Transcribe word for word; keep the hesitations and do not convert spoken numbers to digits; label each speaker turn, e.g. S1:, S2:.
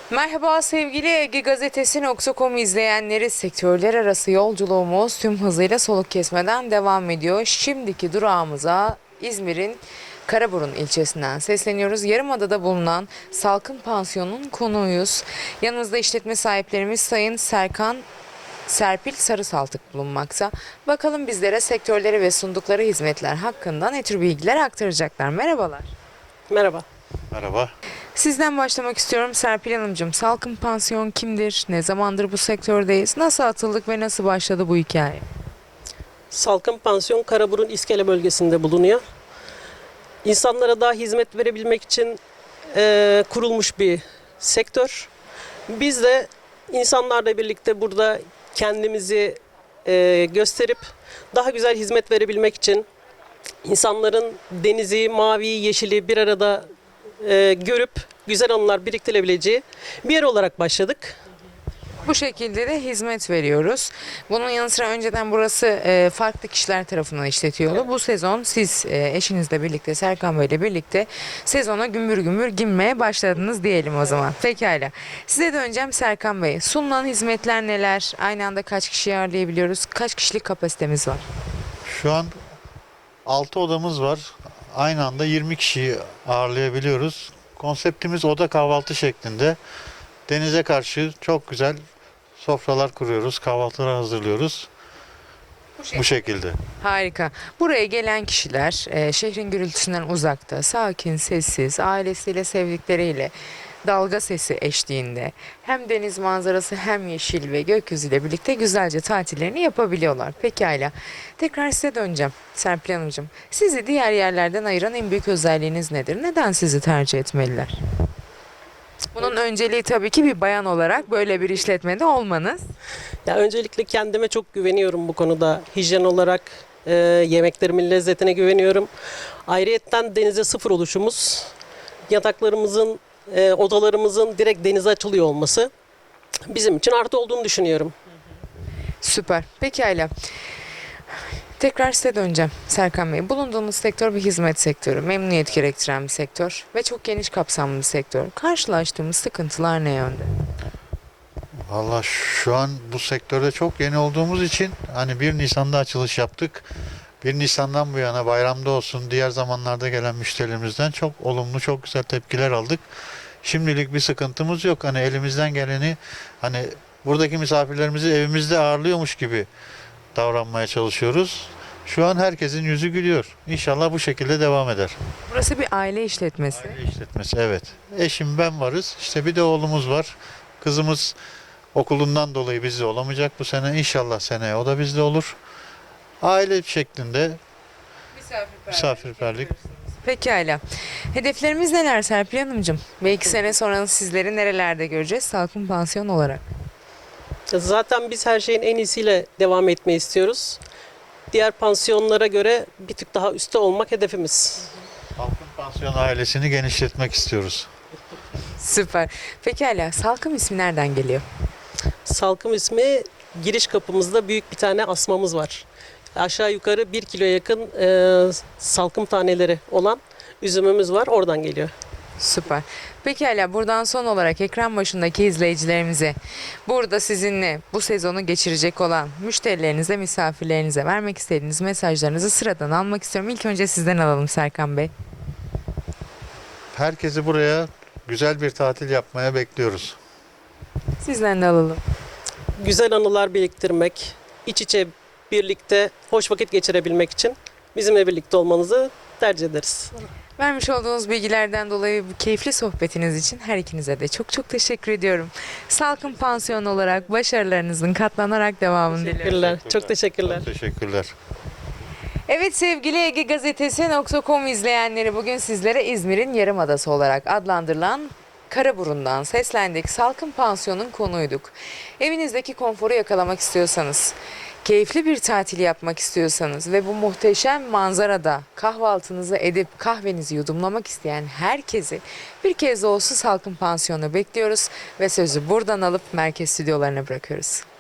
S1: Merhaba sevgili Ege Gazetesi nokta com izleyenleri, sektörler arası yolculuğumuz tüm hızıyla soluk kesmeden devam ediyor. Şimdiki durağımıza İzmir'in Karaburun ilçesinden sesleniyoruz. Yarımada'da bulunan Salkım Pansiyonu'nun konuğuyuz. Yanımızda işletme sahiplerimiz Sayın Serkan Serpil Sarısaltık bulunmakta. Bakalım bizlere sektörleri ve sundukları hizmetler hakkında ne tür bilgiler aktaracaklar. Merhabalar.
S2: Merhaba.
S3: Merhaba.
S1: Sizden başlamak istiyorum Serpil Hanımcığım. Salkım Pansiyon kimdir? Ne zamandır bu sektördeyiz? Nasıl atıldık ve nasıl başladı bu hikaye?
S2: Salkım Pansiyon Karaburun İskele bölgesinde bulunuyor. İnsanlara daha hizmet verebilmek için eee, kurulmuş bir sektör. Biz de insanlarla birlikte burada kendimizi eee, gösterip daha güzel hizmet verebilmek için insanların denizi, maviyi, yeşili bir arada eee, görüp güzel anılar biriktirebileceği bir yer olarak başladık.
S1: Bu şekilde de hizmet veriyoruz. Bunun yanı sıra önceden burası e, farklı kişiler tarafından işletiyordu. Bu sezon siz e, eşinizle birlikte, Serkan Bey ile birlikte sezona gümbür gümbür girmeye başladınız diyelim o zaman. Pekala. Size döneceğim Serkan Bey. Sunulan hizmetler neler? Aynı anda kaç kişiyi ağırlayabiliyoruz? Kaç kişilik kapasitemiz var?
S3: Şu an altı odamız var. Aynı anda yirmi kişiyi ağırlayabiliyoruz. Konseptimiz oda kahvaltı şeklinde. Denize karşı çok güzel sofralar kuruyoruz, kahvaltılar hazırlıyoruz. Bu şekilde.
S1: Harika. Buraya gelen kişiler e, şehrin gürültüsünden uzakta, sakin, sessiz, ailesiyle, sevdikleriyle, dalga sesi eşliğinde hem deniz manzarası hem yeşil ve gökyüzüyle birlikte güzelce tatillerini yapabiliyorlar. Pekala. Tekrar size döneceğim Serpil Hanımcığım. Sizi diğer yerlerden ayıran en büyük özelliğiniz nedir? Neden sizi tercih etmeliler? Bunun önceliği tabii ki bir bayan olarak böyle bir işletmede olmanız.
S2: Ya öncelikle kendime çok güveniyorum bu konuda. Hijyen olarak e, yemeklerimin lezzetine güveniyorum. Ayrıyetten denize sıfır oluşumuz, yataklarımızın, e, odalarımızın direkt denize açılıyor olması bizim için artı olduğunu düşünüyorum.
S1: Süper. Pekala. Tekrar size döneceğim Serkan Bey. Bulunduğumuz sektör bir hizmet sektörü, memnuniyet gerektiren bir sektör ve çok geniş kapsamlı bir sektör. Karşılaştığımız sıkıntılar ne yönde?
S3: Valla şu an bu sektörde çok yeni olduğumuz için hani bir Nisan'da açılış yaptık. bir Nisan'dan bu yana bayramda olsun diğer zamanlarda gelen müşterilerimizden çok olumlu, çok güzel tepkiler aldık. Şimdilik bir sıkıntımız yok. Hani elimizden geleni hani buradaki misafirlerimizi evimizde ağırlıyormuş gibi davranmaya çalışıyoruz. Şu an herkesin yüzü gülüyor. İnşallah bu şekilde devam eder.
S1: Burası bir aile işletmesi.
S3: Aile işletmesi, evet. Eşim, ben varız. İşte bir de oğlumuz var. Kızımız okulundan dolayı bizde olamayacak bu sene. İnşallah seneye o da bizde olur. Aile şeklinde misafirperlik.
S1: Pekala. Hedeflerimiz neler Serpil Hanımcığım? Ve iki sene sonra sizleri nerelerde göreceğiz Salkım Pansiyon olarak?
S2: Zaten biz her şeyin en iyisiyle devam etmeyi istiyoruz. Diğer pansiyonlara göre bir tık daha üstte olmak hedefimiz.
S3: Halkın pansiyon ailesini genişletmek istiyoruz.
S1: Süper. Pekala. Salkım ismi nereden geliyor?
S2: Salkım ismi, giriş kapımızda büyük bir tane asmamız var. Aşağı yukarı bir kilo yakın e, salkım taneleri olan üzümümüz var. Oradan geliyor.
S1: Süper. Pekala, buradan son olarak ekran başındaki izleyicilerimize, burada sizinle bu sezonu geçirecek olan müşterilerinize, misafirlerinize vermek istediğiniz mesajlarınızı sıradan almak istiyorum. İlk önce sizden alalım Serkan Bey.
S3: Herkesi buraya güzel bir tatil yapmaya bekliyoruz.
S1: Sizden de alalım.
S2: Güzel anılar biriktirmek, iç içe birlikte hoş vakit geçirebilmek için bizimle birlikte olmanızı tercih ederiz.
S1: Vermiş olduğunuz bilgilerden dolayı bu keyifli sohbetiniz için her ikinize de çok çok teşekkür ediyorum. Salkım Pansiyon olarak başarılarınızın katlanarak devamını diliyorum.
S2: Teşekkürler. Çok teşekkürler.
S3: Çok teşekkürler.
S1: Evet sevgili Ege Gazetesi nokta com izleyenleri, bugün sizlere İzmir'in Yarımadası olarak adlandırılan Karaburun'dan seslendik. Salkım Pansiyon'un konuyduk. Evinizdeki konforu yakalamak istiyorsanız, keyifli bir tatil yapmak istiyorsanız ve bu muhteşem manzarada kahvaltınızı edip kahvenizi yudumlamak isteyen herkesi bir kez de olsun Salkım Pansiyon'a bekliyoruz ve sözü buradan alıp merkez stüdyolarına bırakıyoruz.